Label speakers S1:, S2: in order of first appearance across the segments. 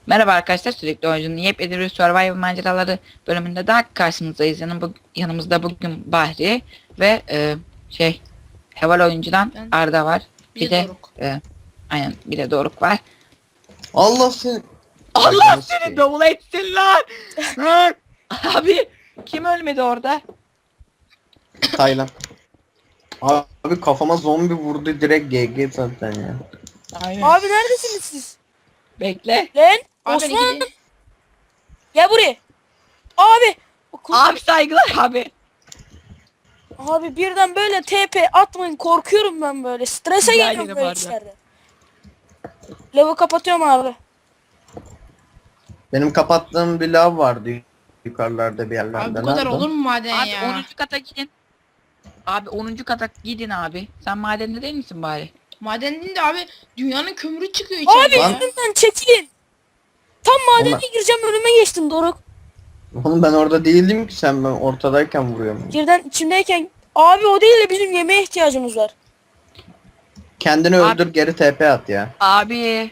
S1: Merhaba arkadaşlar, sürekli oyuncunun yepyeni bir Survival maceraları bölümünde daha karşınızdayız. Yanımızda bugün Bahri ve Heval oyuncudan
S2: Ben
S1: Arda var.
S2: bir de Doruk.
S1: Aynen, bir de Doruk var.
S3: Allah seni.
S1: Allah seni davul etsin lan! Lan! Abi kim ölmedi orada?
S3: Taylan. Abi kafama zombi vurdu direkt GG zaten ya.
S1: Aynen.
S4: Abi neredesiniz siz?
S1: Bekle.
S4: Lan
S2: Abi
S4: Osman gel buraya. Abi.
S1: Abi saygılar abi.
S4: Abi birden böyle TP atmayın, korkuyorum ben böyle. Strese
S1: Rica
S4: geliyorum
S1: ederim
S4: böyle
S1: Arda.
S4: işlerde. Lavı kapatıyorum abi.
S3: Benim kapattığım bir lav vardı yukarılarda bir yerlerde.
S2: Abi bu kadar
S3: Nerede?
S2: olur mu maden
S1: Abi
S2: ya?
S1: 10. kata gidin. Abi 10. kata gidin abi. Sen madende değil misin bari?
S2: Maden değil de abi dünyanın kömürü çıkıyor
S4: Abi
S2: içeride ya.
S4: üstümden çekilin. Tam madene
S3: Ulan.
S4: gireceğim, önüme geçtin Doruk.
S3: Oğlum ben orada değildim ki sen ben ortadayken vuruyorum.
S4: Birden içimdeyken abi o değil de bizim yemeğe ihtiyacımız var.
S3: Kendini
S1: Abi-
S3: öldür geri TP at ya.
S1: Abi.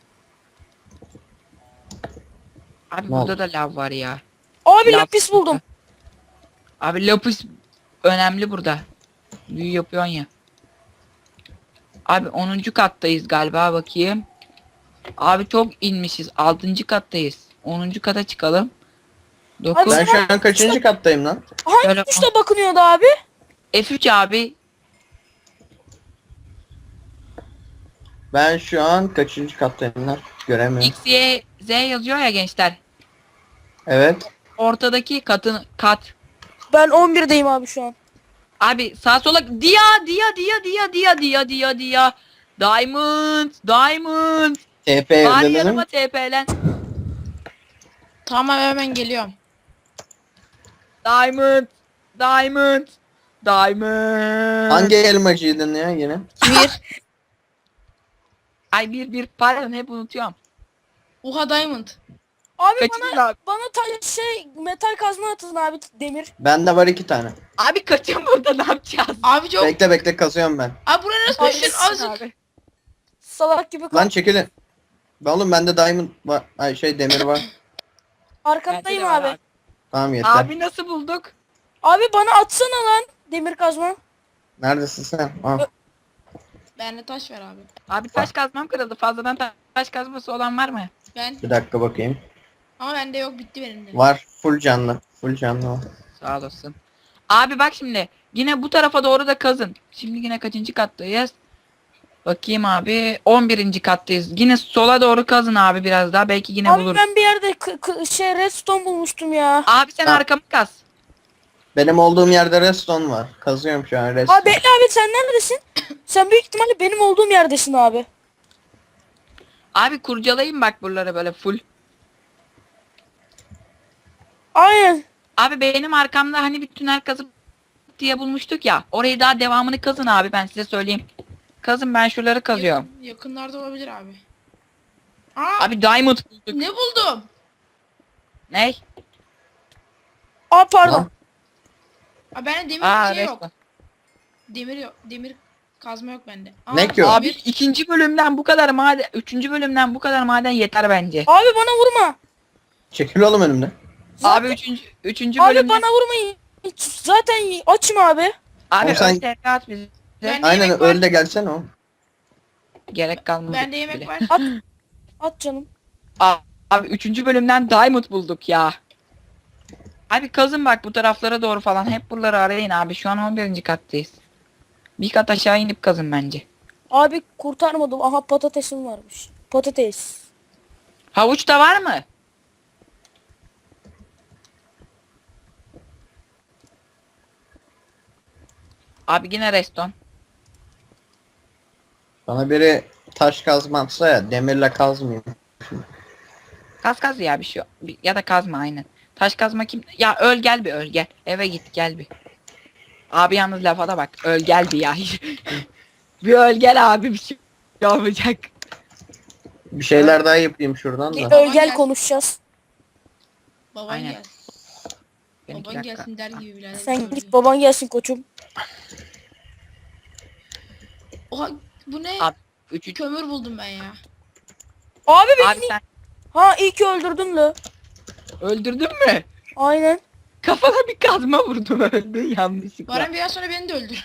S1: Abi
S3: Ne
S1: burada
S3: oldu?
S1: da lav var ya.
S4: Abi
S1: Lav-
S4: lapis buldum.
S1: Abi lapis önemli burada. Büyü yapıyorsun ya. Abi 10. kattayız galiba, bakayım. Abi çok inmişiz. 6. kattayız. 10. kata çıkalım. 9.
S3: Ben şu an kaçıncı kattayım lan?
S4: Hangi
S1: Şöyle-
S4: tuşla bakınıyordu abi?
S1: F3 abi.
S3: Ben şu an kaçıncı kattayım lan? Göremiyorum.
S1: X, Y, Z yazıyor ya gençler.
S3: Evet.
S1: Ortadaki kat.
S4: Ben 11'deyim abi şu an.
S1: Abi sağ sola dia. Diamond.
S3: TP
S1: Bari
S3: evlenelim.
S1: yanıma TP'len.
S2: Tamam hemen geliyorum.
S1: Diamond.
S3: Hangi elmacıydın ya yine?
S2: Bir.
S1: Ay bir pardon, hep unutuyorum.
S2: Oha diamond.
S4: Abi
S1: Kaçın abi.
S4: bana metal kazma atın abi, demir.
S3: Bende var 2 tane.
S1: Abi kaçın, burada ne yapacağız?
S2: Abi çok.
S3: Bekle kazıyorum ben.
S2: Abi buraya nasıl
S4: Abi,
S2: düştün
S4: kaçın
S2: azıcık.
S1: Abi.
S4: Salak gibi
S3: Lan çekilin. Oğlum bende diamond var. Ay demir var.
S4: arkandayım
S1: Bence de var
S4: abi.
S3: Tamam yeter.
S1: Abi nasıl bulduk?
S4: Abi bana atsana lan demir kazma.
S3: Neredesin sen? Ah.
S2: Bende taş ver abi.
S1: Abi taş kazmam kırıldı. Fazladan taş kazması olan var mı?
S2: Ben.
S3: Bir dakika bakayım.
S2: Ama bende yok, bitti benim de.
S3: Var. Full canlı. Full canlı var.
S1: Sağ olasın. Abi bak şimdi. Yine bu tarafa doğru da kazın. Şimdi yine kaçıncı kattayız? Bakayım abi. 11. kattayız. Yine sola doğru kazın abi biraz daha. Belki yine
S4: Abi
S1: bulur.
S4: ben bir yerde redstone bulmuştum ya.
S1: Abi sen
S3: Ha.
S1: arkamı kaz.
S3: Benim olduğum yerde redstone var. Kazıyorum şu an redstone.
S4: Abi bekle abi, sen neredesin? Sen büyük ihtimalle benim olduğum yerdesin abi.
S1: Abi kurcalayın bak buraları böyle full.
S4: Aynen.
S1: Abi benim arkamda hani bir tünel kazıp diye bulmuştuk ya. Orayı daha devamını kazın abi, ben size söyleyeyim. Kazın, ben şuraları kazıyorum.
S2: Yakınlarda olabilir abi. Aa,
S1: Abi diamond bulduk.
S2: ne buldum?
S1: Ne?
S4: Aa pardon.
S3: Lan.
S2: Abi bende demir
S1: Aa
S2: şey yok.
S1: resmen.
S2: Demir yok. Demir kazma yok bende. Aa,
S3: Ne ki o?
S1: Abi ikinci bölümden bu kadar maden, üçüncü bölümden bu kadar maden yeter bence.
S4: Abi bana vurma.
S3: Çekil oğlum önümden.
S1: Abi üçüncü
S4: Abi
S1: bölümden.
S4: bana vurmayın. Zaten açım abi.
S1: Abi
S3: Oğlum sen-
S1: sen... at bize.
S2: Ben-
S3: Aynen
S2: yemek var.
S3: öl de gelsene oğlum.
S1: Gerek kalmadı.
S2: Bende yemek
S1: bile.
S2: var.
S4: At canım.
S1: Abi üçüncü bölümden diamond bulduk ya. Abi kazın bak bu taraflara doğru falan. Hep buraları arayın abi. Şu an 11. kattayız. Bir kat aşağı inip kazın bence.
S4: Abi kurtarmadım. Aha patatesim varmış. Patates.
S1: Havuç da var mı? Abi yine reston.
S3: Bana biri taş kazmazsa ya demirle kazmayayım.
S1: Kaz ya bir şey yok. Ya da kazma aynen. Taş kazma kim? Ya öl gel bir, öl gel. Eve git gel bir. Abi yalnız lafa da bak. Öl gel bir ya. Bir öl gel abi, bir şey olmayacak.
S3: Bir şeyler daha yapayım şuradan
S4: Bir
S3: da.
S4: öl gel konuşacağız.
S2: Baban
S1: Aynen.
S2: gelsin.
S1: Benim
S2: Baban gelsin der gibi birader.
S4: Sen git, baban gelsin koçum.
S2: Oha, bu ne?
S1: Abi, üçüncü...
S2: Kömür buldum ben ya.
S4: Abi benim
S1: Abi sen...
S4: Ha iyi ki öldürdün la.
S1: Öldürdün mü?
S4: Aynen.
S1: Kafana bir kazma vurdum öldün yanlışlıkla.
S2: Baran biraz sonra beni de öldür.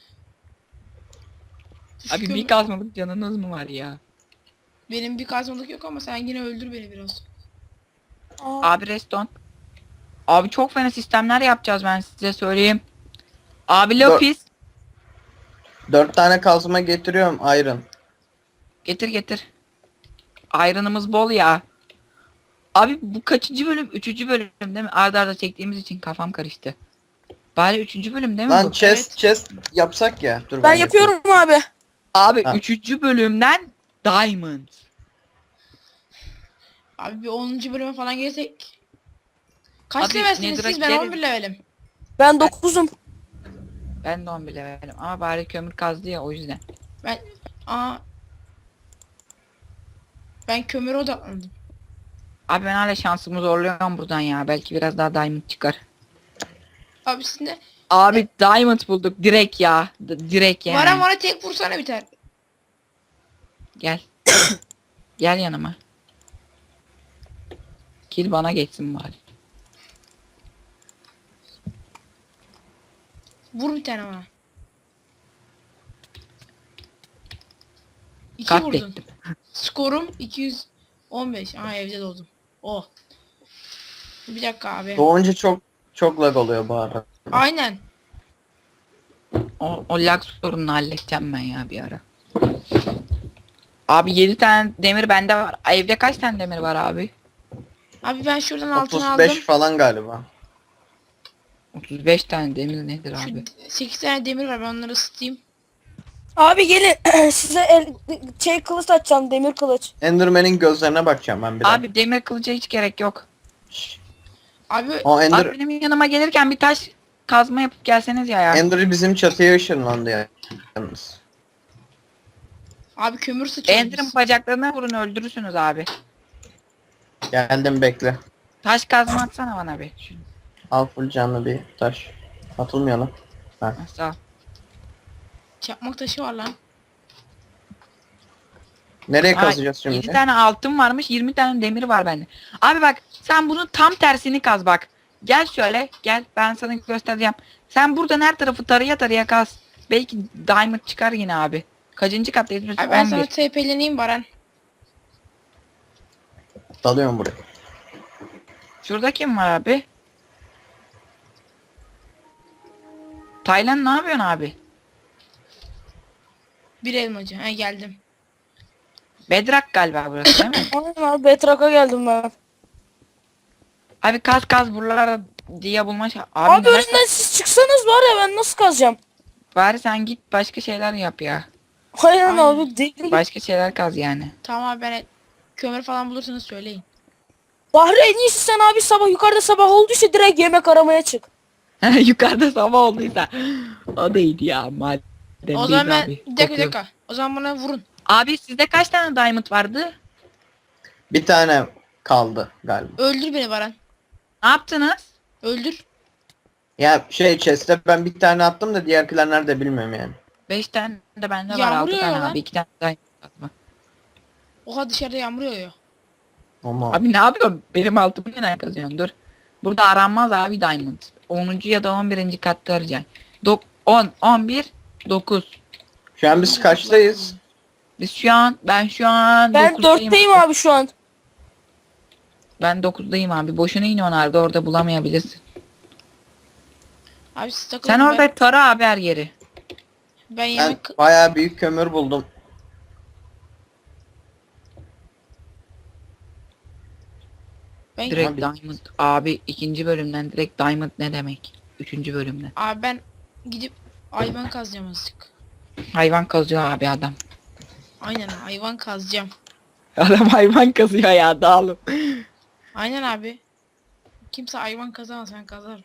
S1: Abi bir kazmalık canınız mı var ya?
S2: Benim bir kazmalık yok ama sen yine öldür beni biraz.
S4: Aa,
S1: Abi reston. Abi çok fena sistemler yapacağız ben size söyleyeyim. Abi Lapis.
S3: 4 tane kazma getiriyorum iron.
S1: Getir getir. Iron'ımız bol ya. Abi bu kaçıncı bölüm? Üçüncü bölüm değil mi? Arda arda çektiğimiz için kafam karıştı. Bari üçüncü bölüm değil mi
S3: Lan
S1: bu?
S3: chest yapsak ya. Dur
S4: ben yapıyorum abi.
S1: Abi
S3: Ha.
S1: üçüncü bölümden Diamond.
S2: Abi bir 10. bölüme falan gelsek. Kaç
S1: Abi,
S2: levelsiniz
S1: Nether'a
S2: siz? Ben
S1: gideriz.
S2: 11 levelim.
S4: Ben 9'um.
S1: Ben de 11 levelim ama bari kömür kazdı ya o yüzden.
S2: Ben aa ben kömüre odaklandım.
S1: Abi ben hala şansımı zorluyorum buradan ya. Belki biraz daha Diamond çıkar.
S2: Abi sizin de
S1: Abi Diamond bulduk direkt ya. Direkt yani.
S2: bana tek vursana biter.
S1: Gel. Gel yanıma. Kill bana geçsin bari.
S2: Vur bir tane bana. 2 vurdun.
S1: Katlettim.
S2: Skorum 215. Aa evde doğdum. Oh. Bir dakika abi.
S3: Doğunca çok lag oluyor bu arada.
S2: Aynen.
S1: O lag sorununu halledeceğim ben ya bir ara. Abi 7 tane demir bende var. Evde kaç tane demir var abi?
S2: Abi ben şuradan altın
S3: 35
S2: aldım.
S3: falan galiba.
S1: 35 tane demir nedir
S2: Şu
S1: abi?
S2: 8 tane demir var, ben onları ısıtayım.
S4: Abi gelin size kılıç açacağım, demir kılıç.
S3: Enderman'in gözlerine bakacağım ben bir
S1: Abi demir kılıca hiç gerek yok.
S2: Abi
S3: O Ender,
S1: Abi benim yanıma gelirken bir taş kazma yapıp gelseniz ya.
S3: Ender bizim çatıya ışınlandı ya. Yalnız.
S2: abi kömür sıçıyoruz
S1: Ender'ın
S2: biz.
S1: bacaklarına vurun öldürürsünüz abi.
S3: Geldim bekle.
S1: Taş kazma atsana bana bir. Şunu.
S3: Al full canlı bir taş. Atılmıyor lan. Ha.
S1: Sağ ol.
S2: Çakmak taşı var lan.
S3: Nereye
S1: Aa,
S3: kazacağız
S1: 7
S3: şimdi?
S1: tane altın varmış 20 tane demir var bende. Abi bak sen bunun tam tersini kaz bak. Gel şöyle gel ben sana göstereceğim. Sen buradan her tarafı taraya taraya kaz. Belki diamond çıkar yine abi. Kaçıncı kattayız biz?
S2: Abi ben
S1: 11.
S2: sana TP'leneyim Baran.
S3: Dalıyorum buraya.
S1: Şurada kim var abi? Taylan ne yapıyorsun abi?
S2: Bir elmacı. He geldim.
S1: Bedrock galiba burası değil mi?
S4: Aynen abi, Betrak'a geldim ben.
S1: Abi kaz buralara diye bulma Abi,
S4: Abi
S1: neler-
S4: önünden siz çıksanız var ya, ben nasıl kazacağım?
S1: Bari sen git başka şeyler yap ya.
S4: Aynen
S2: Aynen.
S4: abi, deli gibi.
S1: Başka şeyler kaz yani.
S2: Tamam abi ben kömür falan bulursanız söyleyin.
S4: Bahri en iyisi sen abi, sabah yukarıda sabah olduysa direkt yemek aramaya çık.
S1: Yukarıda sabah olduysa. O değildi ya madem
S2: O zaman
S1: değil
S2: ben
S1: abi.
S2: bir dakika bir
S1: Kokuyor.
S2: dakika. O zaman bana vurun.
S1: Abi sizde kaç tane diamond vardı?
S3: Bir tane kaldı galiba.
S2: Öldür beni Baran.
S1: Ne yaptınız?
S2: Öldür.
S3: Ya chest'e ben bir tane attım da diğerkiler nerede bilmiyorum yani.
S1: 5 tane de bende var.
S2: Yağmur
S1: 6 tane
S2: yağıyor lan.
S1: abi. 2 tane diamond var.
S2: Oha dışarıda yağmur yağıyor.
S3: Ama
S1: Abi ne yapıyorsun? Benim altımı neden kazıyorsun? Dur. Burada aranmaz abi diamond. 10. ya da 11. katta arayacaksın. 10, 11, 9.
S3: şu an biz kaçtayız?
S1: Ben şu an
S4: Ben
S1: 9'dayım.
S4: 4'teyim abi şu an.
S1: Ben 9'dayım abi. Boşuna in onarda orada bulamayabilirsin.
S2: Abi siz takılın.
S1: Sen orada tara abi her yeri.
S2: Ben
S3: Ben
S2: yemek
S3: bayağı büyük kömür buldum.
S2: ben
S1: Direkt
S3: Abi-
S1: diamond. Abi ikinci bölümden direkt diamond ne demek? Üçüncü bölümden.
S2: abi ben gidip hayvan kazacağım azıcık.
S1: Hayvan kazıyor abi adam.
S2: Aynen hayvan kazacağım.
S1: Adam hayvan kazıyor ya dağılım.
S2: Aynen abi. Kimse hayvan kazamaz, ben kazarım.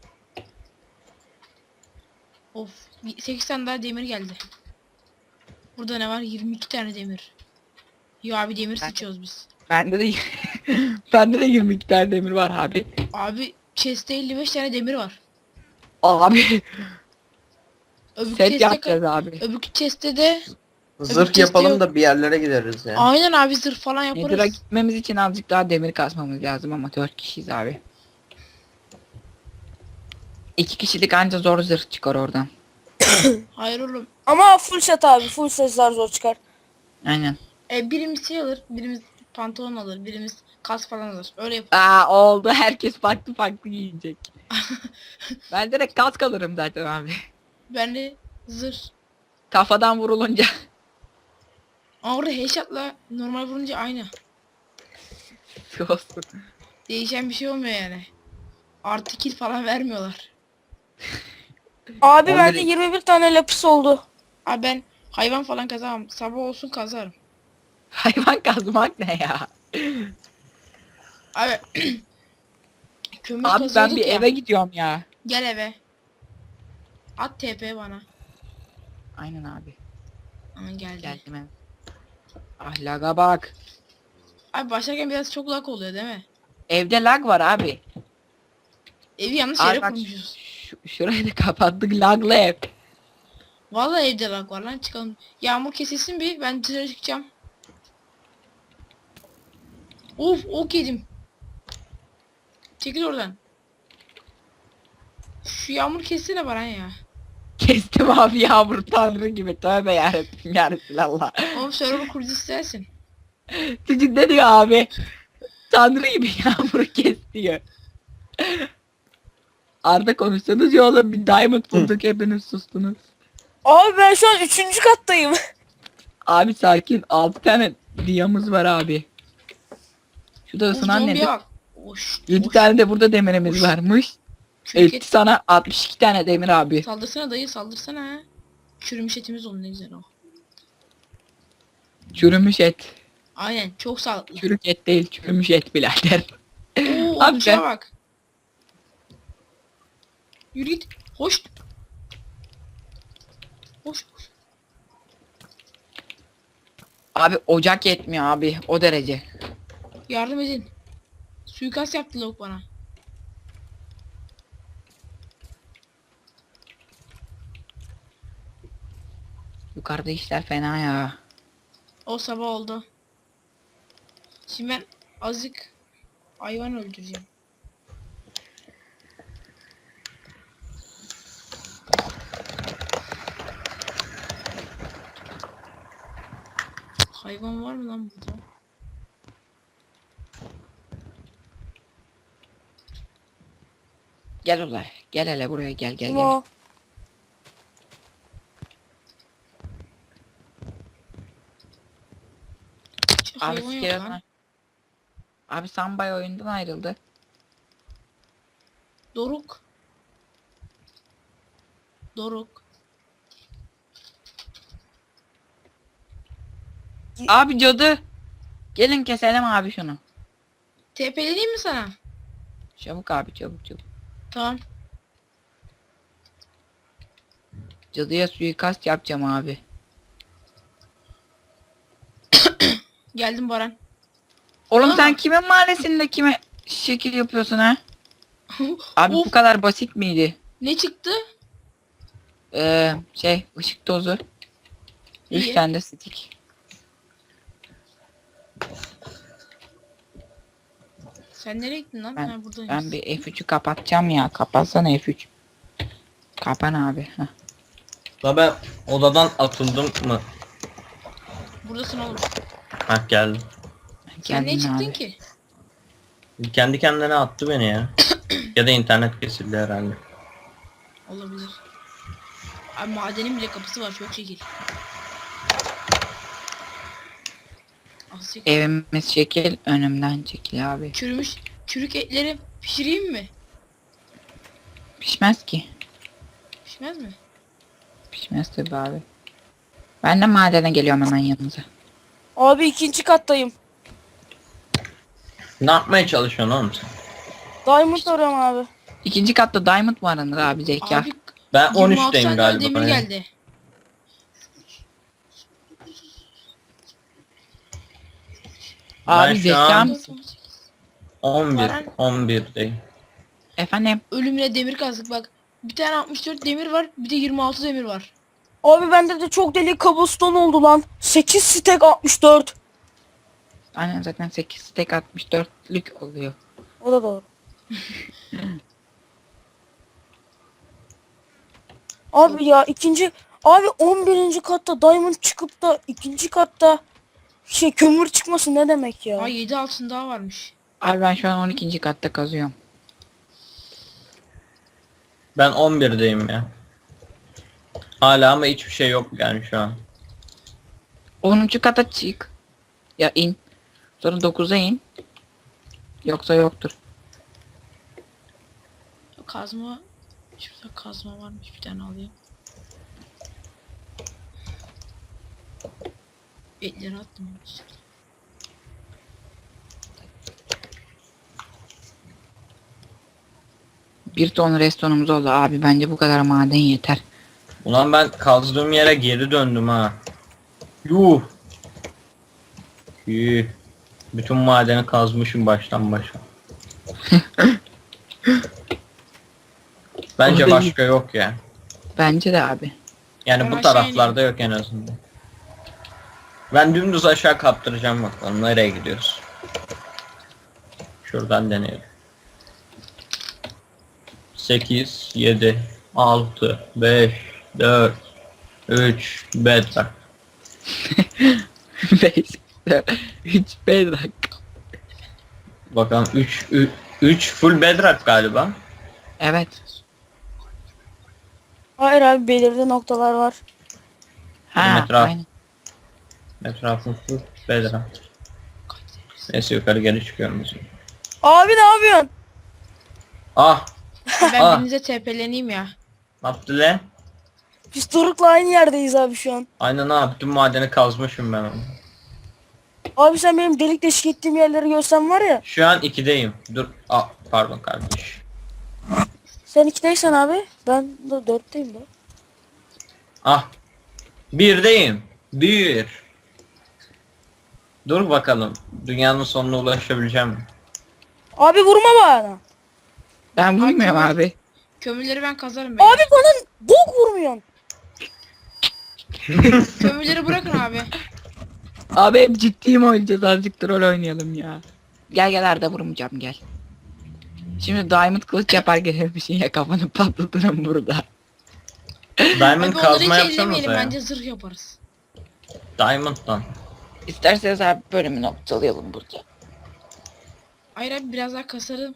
S2: Of 8 tane daha demir geldi. Burada ne var? 22 tane demir. Yo abi demir
S1: Ben-
S2: sıçıyoruz biz.
S1: Bende de bende de 22 tane demir var abi.
S2: Abi chest'te 55 tane demir var.
S1: Abi
S2: Öbür
S1: set
S2: chest'te
S1: yapacağız abi.
S2: öbür chest'te de
S3: Zırh
S2: testi
S3: yapalım
S2: yok.
S3: da bir yerlere gideriz ya.
S2: Aynen abi zırh falan
S1: Nether'a
S2: yaparız.
S1: gitmemiz için azıcık daha demir kasmamız lazım ama 4 kişiyiz abi. 2 kişilik anca zor zırh çıkar oradan.
S2: Hayır oğlum.
S4: Ama full set abi. Full setler zor çıkar.
S1: Aynen.
S2: Birimiz şey alır, birimiz pantolon alır, birimiz kas falan alır. Öyle yap.
S1: Aa oldu, herkes farklı farklı giyecek. Ben direkt kask alırım zaten abi.
S2: Ben de zırh.
S1: Kafadan vurulunca.
S2: Ama orada headshot'la normal vurunca aynı.
S1: olsun.
S2: Değişen bir şey olmuyor yani. Artı kill falan vermiyorlar.
S4: Abi
S3: 11
S4: bende 21 tane lapis oldu.
S2: Abi ben hayvan falan kazamam. Sabah olsun kazarım.
S1: Hayvan kazmak ne ya?
S2: Abi kömür
S1: Abi ben
S2: kazıyorduk
S1: bir
S2: ya.
S1: eve gidiyorum ya.
S2: Gel eve. At TP bana.
S1: Aynen abi.
S2: Aman geldi.
S1: Geldim ben. Ahlaka bak.
S2: Abi başlarken biraz çok lag oluyor değil mi?
S1: Evde lag var abi.
S2: Evi yanlış
S1: Abi
S2: yere
S1: bak,
S2: kurmuşuz.
S1: şurayı da kapattık, laglı ev.
S2: Vallahi evde lag var lan, çıkalım. Yağmur kesilsin bir, ben dışarı çıkacağım. Of, ok yedim. Çekil oradan. Şu yağmur kessene Baran ya.
S1: Kestim abi, yağmur tanrı gibi. Tövbe yarabbim ya Resulallah.
S2: Oğlum server kurucu istersin.
S1: Çocuk ne diyor abi? Tanrı gibi yağmuru kes diyor. Arda konuşsanız ya oğlum, bir diamond bulduk hepiniz sustunuz.
S4: Abi ben şu an 3. kattayım.
S1: Abi sakin, 6 tane diyamız var abi. Şu da
S2: Of,
S1: ısınan
S2: zombiye
S1: nedir?
S2: bak. Oş,
S1: 7
S2: oş.
S1: tane de burada demirimiz
S2: Hoş.
S1: varmış.
S2: Çürük
S1: Etti sana 62 tane demir abi.
S2: Saldırsana dayı, saldırsana ha. Çürümüş etimiz oldu, ne güzel o.
S1: Çürümüş et.
S2: Aynen, çok sağlıklı.
S1: Çürük et değil, çürümüş et birader.
S2: Oo,
S1: Abi
S2: okçuya
S1: ben-
S2: bak. Yürü git. Hoş. Hoş.
S1: Abi ocak yetmiyor abi, o derece.
S2: Yardım edin. Suikast yaptı lavuk bana.
S1: Yukarıda işler fena ya.
S2: O sabah oldu. Şimdi ben azıcık hayvan öldüreceğim. Hayvan var mı lan burada?
S1: Gel ulan, gel hele buraya, gel gel
S4: Kim
S1: gel.
S4: o?
S2: Hiç
S1: Abi
S2: hayvan yok
S1: skeleton.
S2: lan.
S1: Abi Sambay oyundan ayrıldı.
S2: Doruk. Doruk.
S1: Abi cadı. Gelin keselim abi şunu.
S2: TP'leneyim mi sana?
S1: Çabuk abi, çabuk çabuk.
S2: Tamam.
S1: Cadıya suikast yapacağım abi.
S2: Geldim Baran.
S1: Oğlum
S2: Aa.
S1: sen kimin mahallesinde kime şekil yapıyorsun ha? Abi
S2: Of,
S1: bu kadar basit miydi?
S2: ne çıktı?
S1: Işık tozu. 3
S2: İyi.
S1: tane de stick.
S2: Sen nereye gittin lan?
S1: Ben-
S2: Ha, buradayım.
S1: Ben bir F3'ü kapatacağım ya. Kapatsana F3. Kapan abi. Heh.
S3: La ben odadan atıldım mı?
S2: Buradasın oğlum.
S3: Hah geldim.
S2: Sen niye
S1: Geldin
S2: çıktın
S1: abi.
S2: ki?
S3: Kendi kendine attı beni ya. Ya da internet kesildi herhalde.
S2: Olabilir. Abi madenin bile kapısı var, çok şekil. Az çekil.
S1: Evimiz şekil, önümden çekil abi.
S2: Çürümüş çürük etleri pişireyim mi?
S1: Pişmez ki.
S2: Pişmez mi?
S1: Pişmez tabi abi. Ben de madene geliyorum hemen yanınıza.
S4: Abi 2. kattayım.
S3: Ne yapmaya çalışıyorsun oğlum sen?
S4: Diamond arıyorum abi.
S1: 2. katta diamond var Anır abi, zeka.
S2: Abi
S3: Ben
S2: 26
S3: 13'teyim
S2: tane
S3: galiba.
S2: demir
S3: ya.
S2: geldi.
S1: Abi
S3: şu
S1: zeka
S3: an-
S1: mısın?
S3: 11,
S2: Baran.
S3: 11'deyim.
S1: Efendim?
S2: Ölümüne demir kazdık bak. Bir tane 64 demir var, bir de 26 demir var.
S4: Abi bende de çok deli cobblestone oldu lan. 8 stack 64.
S1: Aynen zaten 8 stack 64'lük oluyor.
S4: O da doğru. Abi ya abi 11. katta diamond çıkıp da ikinci katta kömür çıkması ne demek ya?
S2: Aa 7 altın daha varmış.
S1: Abi ben şu an 12. katta kazıyorum.
S3: Ben 11'deyim ya. Hala ama hiçbir şey yok yani şu an.
S1: 10. kata çık. Ya in. Sonra 9'a in. Yoksa yoktur.
S2: Kazma. Şurada kazma varmış, bir tane alayım. Etleri attım.
S1: Bir ton restonumuz oldu abi. Bence bu kadar maden yeter.
S3: Ulan ben kazdığım yere geri döndüm ha. Yuh. Yuh. Bütün madeni kazmışım baştan başa. Bence
S1: Orada
S3: başka yok ya.
S1: Bence de abi.
S3: Yani
S2: Ben
S3: bu
S2: aşağı
S3: taraflarda yok en azından. Ben dümdüz aşağı kaptıracağım bakalım nereye gidiyoruz. Şuradan deneyelim. 8, 7, 6, 5, 4, 3, bedrock.
S1: 5, 3, 5 dakika.
S3: Bakalım 3 full bedrock galiba.
S1: Evet.
S4: Hayır abi belirli noktalar var.
S1: Ha,
S3: Etraf.
S1: aynen.
S3: Etrafın full bedrock. Neyse yukarı geri çıkıyorum.
S4: Abi ne yapıyorsun?
S3: Ah!
S2: Ben
S3: Ah.
S2: birinize TP'leneyim ya.
S3: Ne yaptı lan?
S4: Biz Doruk'la aynı yerdeyiz abi şu an.
S3: Aynen ha bütün madeni kazmışım ben onu.
S4: Abi sen benim delik deşik ettiğim yerleri görsen var ya.
S3: Şu an 2'deyim. Dur. Ah pardon kardeş.
S4: Sen 2'deysen abi. Ben de 4'teyim de.
S3: Ah. 1'deyim. 1. Dur bakalım. Dünyanın sonuna ulaşabileceğim mi?
S4: Abi vurma bana.
S1: Ben vurmuyorum abi.
S2: Kömürleri ben kazarım. Ben.
S4: Abi bana bok vurmuyorsun.
S2: Kömürleri bırakın abi.
S1: Abi hep ciddiyim oynayacağız. Azıcık troll oynayalım ya. Gel gel Arda vurmayacağım gel. Şimdi diamond kılıç yapar gelir bir şey ya kafanı patlatırım burada.
S3: Diamond
S2: Abi onları
S3: kazma
S2: hiç
S3: yapsanıza
S2: ellemeyelim,
S3: ya.
S2: bence zırh yaparız.
S3: Diamond'dan.
S1: İsterseniz abi bölümü noktalayalım burada.
S2: Hayır abi biraz daha kasarım.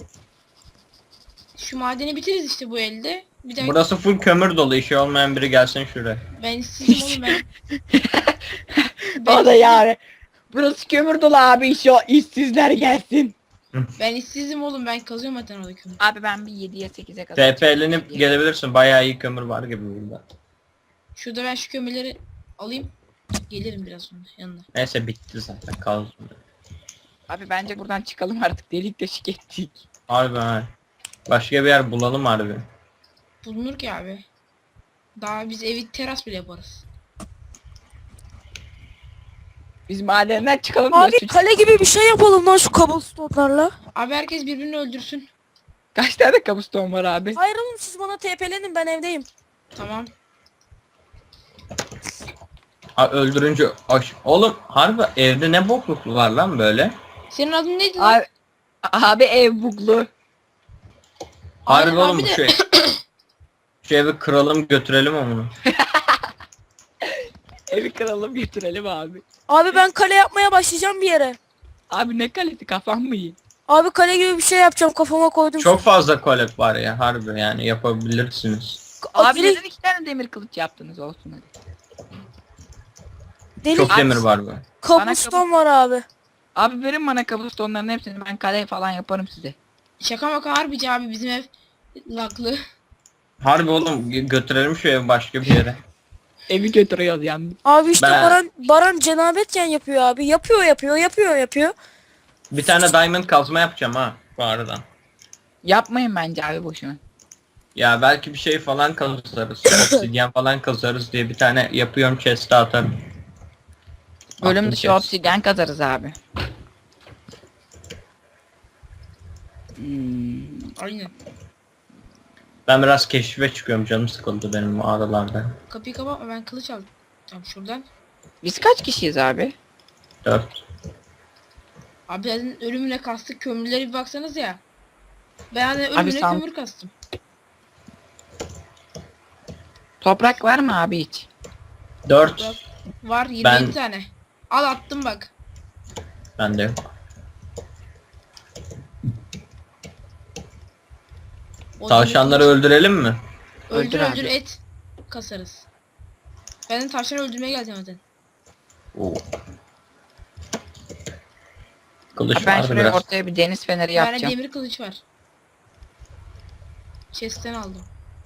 S2: Şu madeni bitiririz işte bu elde. Bir daha
S3: Burası full kömür dolu. İşi olmayan biri gelsin şuraya.
S2: ben işsizim oğlum ben.
S1: O da yani. Burası kömür dolu abi şu işsizler gelsin.
S2: Ben işsizim oğlum, ben kazıyorum zaten orada kömür.
S1: Abi ben bir 7'ye 8'e kadar.
S3: TP'lenip gelebilirsin. Bayağı iyi kömür var gibi burada.
S2: Şurada ben şu kömürleri alayım. Gelirim biraz sonra yanına.
S3: Neyse bitti zaten kazdım.
S1: Abi bence buradan çıkalım artık delik deşik ettik.
S3: Harbi ha. Başka bir yer bulalım harbi.
S2: Bulunur ki abi. Daha biz evi teras bile yaparız.
S1: Biz madenden çıkalım
S4: Abi
S1: diyorsun.
S4: kale gibi bir şey yapalım lan şu cobblestone'larla.
S2: Abi herkes birbirini öldürsün.
S1: Kaç tane kabuston var abi?
S4: Hayır oğlum siz bana TP'lenin ben evdeyim.
S2: Tamam.
S3: Ha, öldürünce oğlum harbi evde ne bokluklu var lan böyle?
S2: Senin adın neydi lan?
S1: Abi ev buglu.
S3: Harbi
S2: Aynen
S3: oğlum
S2: abi
S3: bu
S2: de-
S3: şey. Şu evi kıralım götürelim onu.
S1: Evi kıralım götürelim abi.
S4: Abi ben kale yapmaya başlayacağım bir yere.
S1: Abi ne kalesi kafam mı iyi?
S4: Abi kale gibi bir şey yapacağım kafama koydum.
S3: Çok fazla kolek var ya harbi yani yapabilirsiniz.
S1: Abi
S4: Direkt
S1: neden 2 tane demir kılıç yaptınız olsun hadi.
S4: deli
S3: Çok demir var bu.
S4: cobblestone var abi.
S1: Abi verin bana kabustonların hepsini ben kale falan yaparım size.
S2: Şaka maka harbici abi, bizim ev laklı.
S3: Harbi oğlum götürelim şu evi başka bir yere.
S1: Evi götürüyoruz yalnız.
S4: Abi işte
S3: Ben-
S4: Baran cenabetken yapıyor abi. Yapıyor.
S3: Bir tane diamond kazma yapacağım ha bu aradan.
S1: Yapmayın bence abi boşuna.
S3: Ya belki bir şey falan kazarız. Obsidyen falan kazarız diye bir tane yapıyorum chest'e atarım.
S1: Bölüm
S3: Attım
S1: dışı
S3: chest.
S1: obsidyen kazarız abi. Hmm.
S2: Aynen.
S3: Ben biraz keşfe çıkıyorum, canım sıkıldı benim mağaralarda.
S2: Kapıyı kapatma, ben kılıç aldım. Tamam şuradan.
S1: Biz kaç kişiyiz abi?
S3: 4.
S2: Abi zaten ölümüne kastık, kömürlere bir baksanız ya. Ben de
S1: Abi
S2: ölümüne
S1: sen-
S2: kömür kastım.
S1: Toprak var mı abi hiç?
S3: 4.
S2: Var 27
S3: Ben-
S2: tane. Al attım bak.
S3: Bende yok.
S2: O
S3: Tavşanları
S2: demir
S3: öldürelim mi?
S2: kılıç- öldür
S1: Öldür
S2: öldür
S1: abi.
S2: et kasarız. Ben de tavşanı öldürmeye geldim zaten.
S3: Oo. Kılıç
S1: Abi ben
S3: vardı
S1: şuraya
S3: biraz.
S1: ortaya bir deniz feneri
S2: Bir tane
S1: yapacağım.
S2: demir kılıç var. Chest'ten aldım.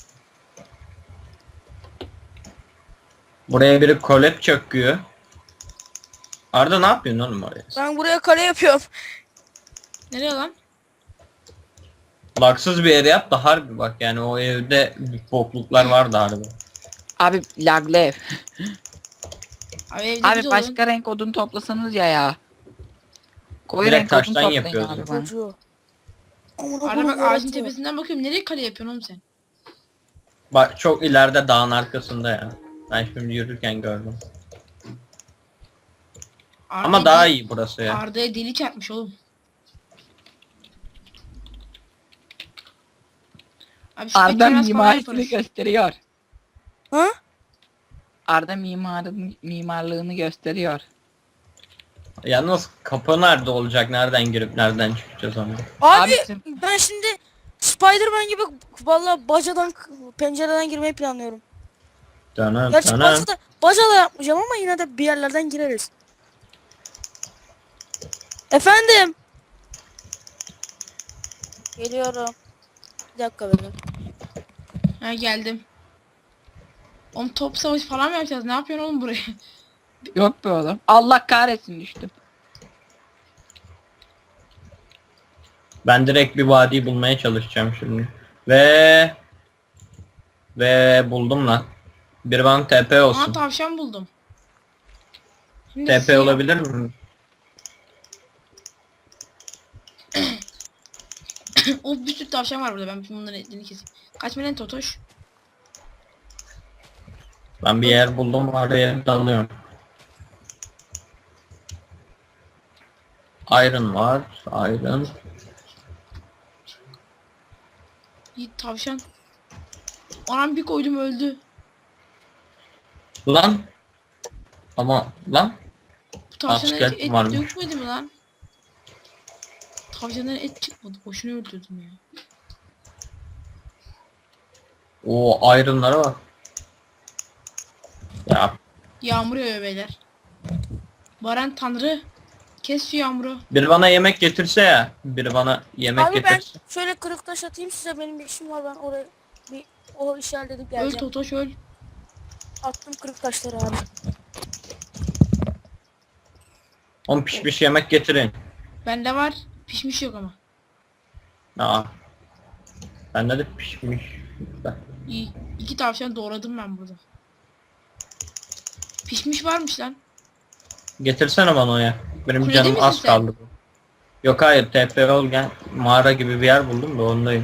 S3: Buraya biri kolep çöküyor. Arda ne yapıyorsun oğlum oraya?
S4: Ben buraya kale yapıyorum.
S2: Nereye lan?
S3: Lagsız bir yere yap da harbi bak, yani o evde bokluklar vardı harbi.
S1: Abi laglı ev.
S2: Abi evde
S1: Abi
S2: biz olun.
S1: başka renk odun toplasanız ya. Koyu
S3: Direkt
S1: renk odun
S3: taştan
S1: toplayın
S3: yapıyoruz.
S1: abi bana.
S4: Çocuğu. Amına
S2: Arada
S4: koyayım,
S2: bak ağacın
S4: yaratıyor.
S2: tepesinden bakıyorum. Nereye kale yapıyorsun oğlum sen?
S3: Bak çok ileride dağın arkasında ya. Ben şimdi yürürken gördüm. Ama
S2: Arda'ya
S3: daha
S2: deli-
S3: iyi burası ya.
S2: Arda'ya deli çarpmış oğlum. Abi şu
S1: Arda
S2: petrol falan
S1: mimarisini
S2: yaparız.
S1: gösteriyor.
S4: Ha?
S1: Arda mimarlığını gösteriyor.
S3: Yalnız kapı nerede olacak? Nereden girip nereden çıkacağız onu?
S4: Abi
S1: bizim-
S4: ben şimdi Spider-Man gibi vallahi bacadan pencereden girmeyi planlıyorum.
S3: Dönem
S4: Gerçi
S3: dönem.
S4: bacada yapmayacağım ama yine de bir yerlerden gireriz. Efendim. Geliyorum. Bir dakika benim.
S2: Ha geldim. Oğlum top savaşı falan mı yapacağız? Ne yapıyorsun oğlum buraya?
S1: Yok be oğlum. Allah kahretsin düştüm.
S3: Ben direkt bir vadi bulmaya çalışacağım şimdi. Ve buldum lan. Bir bana TP
S2: Aa
S3: olsun.
S2: tavşan buldum. Şimdi
S3: TP
S2: siyah-
S3: olabilir mi?
S2: O bir sürü tavşan var burada. Ben şimdi bunların etlerini keseyim. Kaç milyon totoş?
S3: Ben bir yer buldum, oraya dalıyorum. Iron var. Iron.
S2: Yiğit tavşan. Anam bir koydum öldü.
S3: Lan. Ama lan.
S2: Bu tavşana
S3: Askel
S2: et
S3: varmış.
S2: dökmedi mi lan? Tavşandan et çıkmadı. Boşuna öldürdüm ya.
S3: O Iron'lara bak. Ya
S2: Yağmur yağıyor beyler. Baran tanrı. Kes şu yağmuru.
S3: biri bana yemek getirse ya. Biri bana yemek
S4: Abi ben
S3: getirse.
S4: şöyle kırık taş atayım size, benim bir işim var, ben oraya bir o işi halledip
S2: Öl
S4: geleceğim.
S2: totoş öl.
S4: Attım kırık taşları abi.
S3: On pişmiş yemek getirin.
S2: Bende var. Pişmiş yok ama.
S3: Aa. Bende de pişmiş.
S2: İyi. 2 tavşan doğradım ben burada. Pişmiş varmış lan.
S3: Getirsene bana o ya. Benim
S2: Kulede
S3: canım
S2: misin
S3: az
S2: sen?
S3: kaldı. Yok hayır, TP ol gel. Mağara gibi bir yer buldum da ondayım.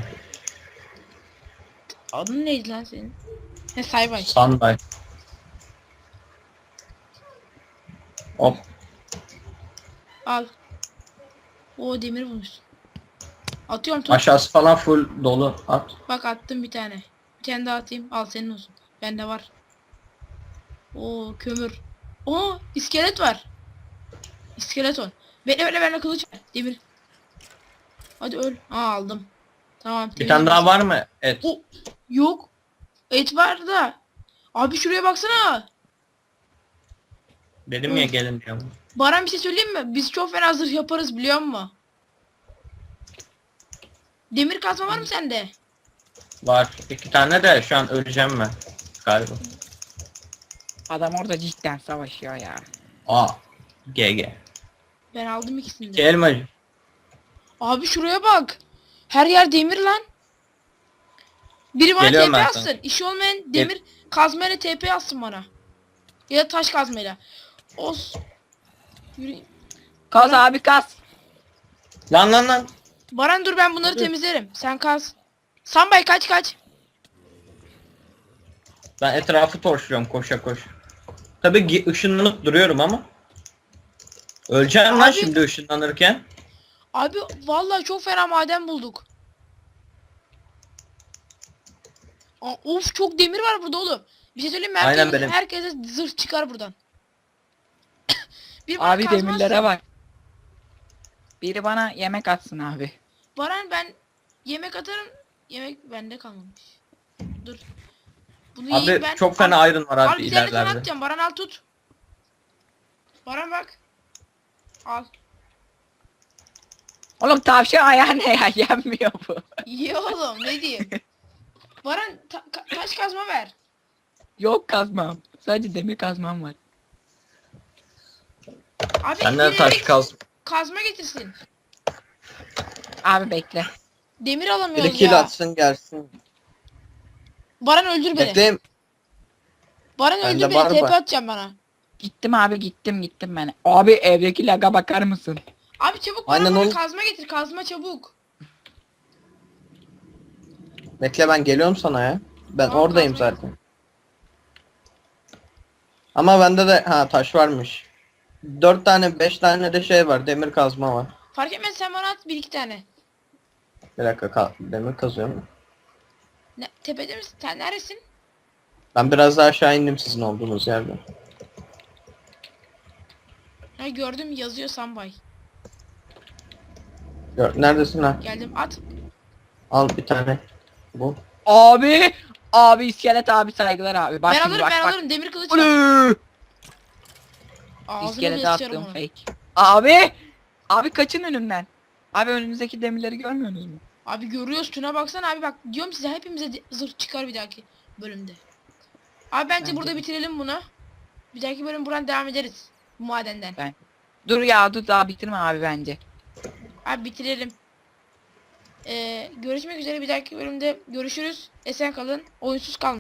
S2: Adın neydi lan senin? He Saybay.
S3: Sanday. Hop.
S2: Al. O demir bulmuşsun. Atıyorum tut.
S3: Aşağısı falan full dolu. At.
S2: Bak attım bir tane. Bir tane daha atayım. Al senin olsun. Bende var. Oo kömür. Oo iskelet var. İskeleton. Bekle bekle bende kılıç var. Demir. Hadi öl. Aa aldım. Tamam.
S3: Bir
S2: temiz
S3: tane daha
S2: olsun.
S3: var mı? Et.
S2: O yok. Et var da. Abi şuraya baksana.
S3: Dedim ya gelin diyorum.
S2: Baran bir şey söyleyeyim mi? Biz çok fena zırh yaparız biliyor musun? Demir kazma var mı sende?
S3: Var. 2 tane de şu an öleceğim ben. Galiba.
S1: Adam orada cidden savaşıyor ya.
S3: Aa. GG.
S2: Ben aldım ikisini de.
S3: Elmacı.
S2: Abi şuraya bak. Her yer demir lan. Biri bana
S3: Geliyorum
S2: TP
S3: ben
S2: atsın.
S3: sana.
S2: İşi olmayan demir kazmayla TP atsın bana. Ya da taş kazmayla. Os. Yürü.
S1: Kaz abi kaz.
S3: Lan lan lan.
S2: Baran dur ben bunları temizlerim. Sen kaz. Sambay kaç kaç.
S3: Ben etrafı torşluyorum koşa koşa. Tabii ışınlanıp duruyorum ama. Öleceğim lan
S2: Abi-
S3: şimdi ışınlanırken.
S2: Abi vallahi çok fena maden bulduk. Of çok demir var burada oğlum. Bir şey söyleyeyim mi?
S3: Aynen benim.
S2: Herkese zırh çıkar buradan. Bir bana
S1: Abi
S2: kazma
S1: demirlere
S2: atsın.
S1: bak. Biri bana yemek atsın abi.
S2: Baran ben yemek atarım. Yemek bende kalmamış. Dur. Bunu
S3: Abi
S2: yiyeyim ben.
S3: çok fena iron var
S2: Al
S3: abi
S2: bir tane sana
S3: ilerlerde.
S2: atacağım. Baran al tut. Baran bak. Al.
S1: Oğlum tavşan ayağı ne ya? Yenmiyor bu.
S2: İyi oğlum ne diyeyim. Baran taş kazma ver.
S1: Yok kazmam. Sadece demir kazmam var.
S2: Abi
S3: Senden
S2: biri
S3: taş kaz.
S2: kazma getirsin.
S1: Abi bekle.
S2: Demir alamıyoruz
S5: Bir kill
S2: ya.
S5: atsın gelsin.
S2: Baran öldür beni.
S5: Bekleyin.
S2: Baran
S5: Bende
S2: öldür
S5: var
S2: beni.
S5: mı?
S2: TP atacağım bana.
S1: Gittim abi gittim ben. Abi evdeki laga bakar mısın?
S2: Abi çabuk
S5: Aynen
S2: bana
S5: oğlum.
S2: kazma getir. Kazma çabuk.
S5: Bekle ben geliyorum sana ya. Ben
S2: Tamam,
S5: oradayım
S2: kazma
S5: zaten. Ama bende de taş varmış. 4 tane 5 tane de şey var. Demir kazma var.
S2: Fark etmez sen bana at bir iki tane.
S5: Bir dakika demir kazıyorum.
S2: Ne, tepede misin? Sen neresin?
S5: Ben biraz daha aşağı indim sizin olduğunuz yerden.
S2: Ha gördüm yazıyor Sambay.
S5: Neredesin lan?
S2: Geldim at.
S5: Al bir tane. Bu.
S1: Abi. Abi iskelet abi saygılar abi. Bak
S2: Ben
S1: şimdi
S2: alırım
S1: bak
S2: ben
S1: bak.
S2: alırım demir kılıç var.
S1: Ulü!
S2: Ağzını
S1: İskelete
S2: bile sıçarım
S1: attığım
S2: onu.
S1: fake. Abi. Abi kaçın önümden. Abi önünüzdeki demirleri görmüyorsunuz mu?
S2: Abi görüyoruz Tuna baksana abi bak diyorum size hepimize zırh çıkar bir dahaki bölümde. Abi bence
S1: Bence
S2: burada
S1: de.
S2: bitirelim bunu. Bir dahaki bölüm buradan devam ederiz. Bu madenden.
S1: Dur ya dur daha bitirme abi bence.
S2: Abi bitirelim. Görüşmek üzere bir dahaki bölümde görüşürüz. Esen kalın. Oyunsuz kalın.